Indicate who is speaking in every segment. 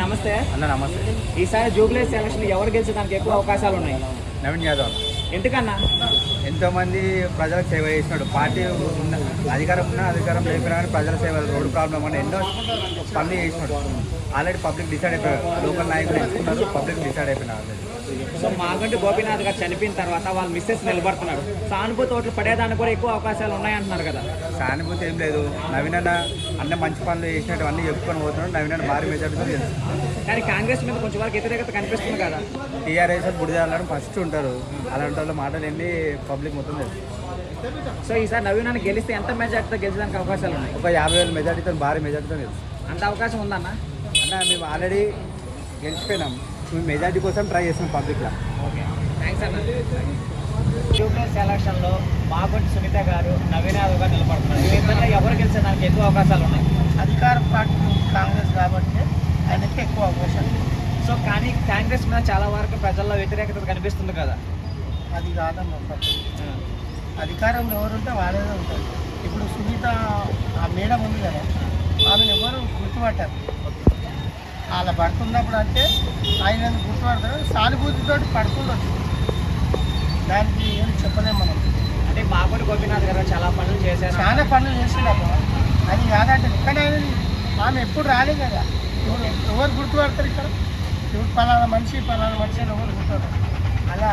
Speaker 1: నమస్తే
Speaker 2: అన్న నమస్తే.
Speaker 1: ఈసారి జూబ్లీస్ ఎలక్షన్ ఎవరు గెలిచడానికి ఎక్కువ అవకాశాలు ఉన్నాయి?
Speaker 2: నవీన్ యాదవ్
Speaker 1: ఎందుకన్నా?
Speaker 2: ఎంతోమంది ప్రజలకు సేవ చేసినాడు. పార్టీ ఉన్న అధికారం లేకపోయినా కానీ ప్రజల సేవ, రోడ్డు ప్రాబ్లం అని ఎన్నో పనులు చేసినాడు. ఆల్రెడీ పబ్లిక్ డిసైడ్ అయిపోయారు. లోకల్ నాయకులు ఎంచుకున్నారు, పబ్లిక్ డిసైడ్ అయిపోయినారు ఆల్రెడీ.
Speaker 1: సో మాగంటి గోపీనాథ్ గారు చనిపోయిన తర్వాత వాళ్ళ మిస్సెస్ నిలబడుతున్నాడు. సానుభూతి ఓట్లు పడేదానికి కూడా ఎక్కువ అవకాశాలు ఉన్నాయంటున్నారు కదా.
Speaker 2: సానుభూతి ఏం లేదు. నవీన్ అన్న మంచి పనులు చేసినట్టు అన్నీ చెప్పుకొని పోతున్నాడు. నవీన్ భారీ మెజార్టీతో తెలుసు.
Speaker 1: కానీ కాంగ్రెస్ మీద కొంచెం వరకు వ్యతిరేకత కనిపిస్తుంది కదా.
Speaker 2: టీఆర్ఎస్ బుడిదాలని ఫస్ట్ ఉంటారు. అలాంటి వాళ్ళ మాటలు వెళ్ళి పబ్లిక్ మొత్తం తెలుసు.
Speaker 1: సో ఈసారి నవీనాన్ని గెలిస్తే ఎంత మెజార్టీతో గెలిచడానికి అవకాశాలు ఉన్నాయి?
Speaker 2: ఒక 50,000 మెజార్టీతో, భారీ మెజార్టీతో తెలుసు.
Speaker 1: అంత అవకాశం ఉందన్న?
Speaker 2: అన్న మేము ఆల్రెడీ గెలిచిపోయినాం. మేము మెజార్టీ కోసం ట్రై చేస్తాం పబ్లిక్లో.
Speaker 1: ఓకే, థ్యాంక్స్ అన్న. జూబ్లీస్ ఎలక్షన్లో మాగంటి సునీత గారు, నవీన్ యాదవ్ గారు నిలబడుతున్నారు. వీళ్ళిద్దరిలో ఎవరు గెలిచడానికి ఎక్కువ అవకాశాలు ఉన్నాయి?
Speaker 3: అధికార పార్టీ కాంగ్రెస్ కాబట్టి ఆయనకి ఎక్కువ అవకాశాలు.
Speaker 1: సో కానీ కాంగ్రెస్ మీద చాలా వరకు ప్రజల్లో వ్యతిరేకత కనిపిస్తుంది కదా.
Speaker 3: అది కాదమ్మా పట్టు. అధికారంలో ఎవరుంటే వాళ్ళే ఉంటారు. ఇప్పుడు సునీత ఆ మేడం ఉంది కదా, ఆమెను ఎవరు గుర్తుపట్టారు. వాళ్ళ పడుతున్నప్పుడు అంటే ఆయన గుర్తుపడతారు. సానుభూతితో పడుతుండొచ్చు, దానికి ఏం చెప్పలేము మనం.
Speaker 1: అంటే మాగంటి గోపీనాథ్ గారు చాలా పనులు చేశారు,
Speaker 3: చాలా పనులు చేసినప్పుడు అది కాదంటే. కానీ ఆయన ఆమె ఎప్పుడు రాలే కదా. ఇప్పుడు ఎవరు గుర్తుపడతారు ఇక్కడ? ఇప్పుడు పలానా మనిషి అని ఎవరు గుర్తుపడతారు? అలా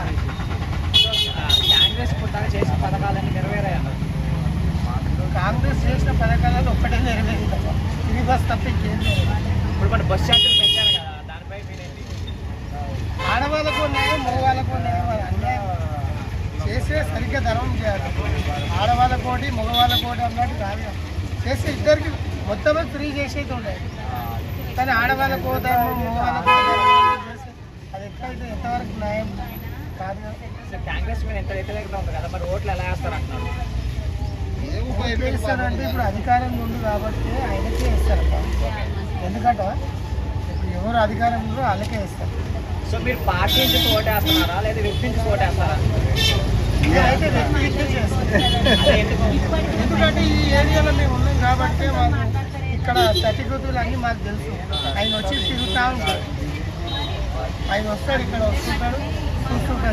Speaker 1: కాంగ్రెస్ పుట్టాక చేసిన పథకాలన్నీ నెరవేరాయన్నారు.
Speaker 3: కాంగ్రెస్ చేసిన పథకాలలో ఒక్కటే నెరవేరింది తప్ప ఇది బస్ తప్ప ఇంకేం లేదు.
Speaker 1: ఇప్పుడు మన బస్ ఛార్జీలు పెంచారు కదా, దానిపై మీరేంటి?
Speaker 3: ఆడవాళ్ళకు న్యాయం, మగవాళ్ళకు న్యాయం. అది అన్యాయం చేసే సరిగ్గా ధర్మం చేయాలి. ఆడవాళ్ళకోటి మగవాళ్ళకోటి అన్నట్టు కాదు. చేస్తే ఇద్దరికి మొత్తం ఫ్రీ చేసేది ఉండేది. కానీ ఆడవాళ్ళకో ధర్మం, మగవాళ్ళకో ధర్మం చేస్తే అది ఎట్లయితే ఎంతవరకు న్యాయం కాదు కదా.
Speaker 1: కాంగ్రెస్ మీద ఎంత వ్యతిరేకత ఉంది కదా, మరి ఓట్లు ఎలా వేస్తారు అంటున్నారు?
Speaker 3: ఇస్తారంటే ఇప్పుడు అధికారంలో ఉంది కాబట్టి ఆయనకే ఇస్తారప్ప. ఎందుకంటే ఇప్పుడు ఎవరు అధికారంలో వాళ్ళకే ఇస్తారు.
Speaker 1: సో మీరు పార్టీ నుంచి ఓటేస్తున్నారా లేదా వ్యక్తి నుంచి ఓటేస్తారా?
Speaker 3: నేనైతే వ్యక్తి చేస్తాను. ఎందుకంటే ఈ ఏరియాలో మేము ఉన్నాం కాబట్టి వాళ్ళు ఇక్కడ సర్టిఫికెట్లు అన్నీ మాకు తెలుసు. ఆయన వచ్చి తిరుగుతూ ఉంటాడు. ఆయన వస్తాడు, ఇక్కడ వస్తుంటాడు, చూస్తుంటాడు.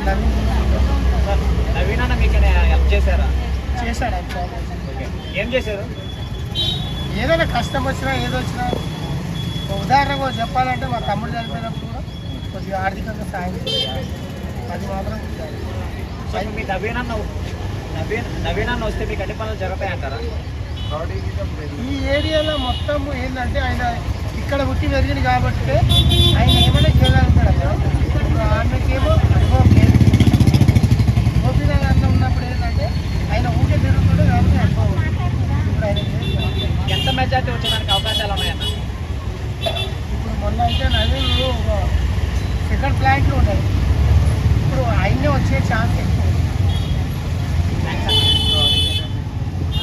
Speaker 1: నవీన్ అన్న మీకు హెల్ప్ చేశారా?
Speaker 3: చేశాడు ఆయన.
Speaker 1: ఏం చేశారు?
Speaker 3: ఏదైనా కష్టం వచ్చినా ఏదో వచ్చినా ఉదాహరణగా చెప్పాలంటే మా తమ్ముడు చనిపోయినప్పుడు కూడా కొద్దిగా ఆర్థికంగా సాయం చేయాలి. అది మాత్రం
Speaker 1: సో మీ నవీన్ అన్న వస్తే మీకు అన్ని పనులు జరుగుతాయంటారా?
Speaker 3: ఈ ఏరియాలో మొత్తం ఏంటంటే ఆయన ఇక్కడ పుట్టి పెరిగింది కాబట్టి ఆయన ఏమైనా చేయగలుగుతాడు అక్కడ. ఇప్పుడు ఆమెకేమో అనుభవం లేదు. గోపీనాథ్ అన్న ఉన్నప్పుడు ఏంటంటే ఆయన ఊకే తిరుగుతుండే కాబట్టి అనుభవం. ఇప్పుడు ఆయన
Speaker 1: ఎంత మెజార్టీ వచ్చేదానికి అవకాశాలు ఉన్నాయన్న?
Speaker 3: ఇప్పుడు మొన్న అయితే నవీన్ ఒక సెకండ్ ఫ్లాట్లో ఉన్నాయి. ఇప్పుడు ఆయనే వచ్చే ఛాన్స్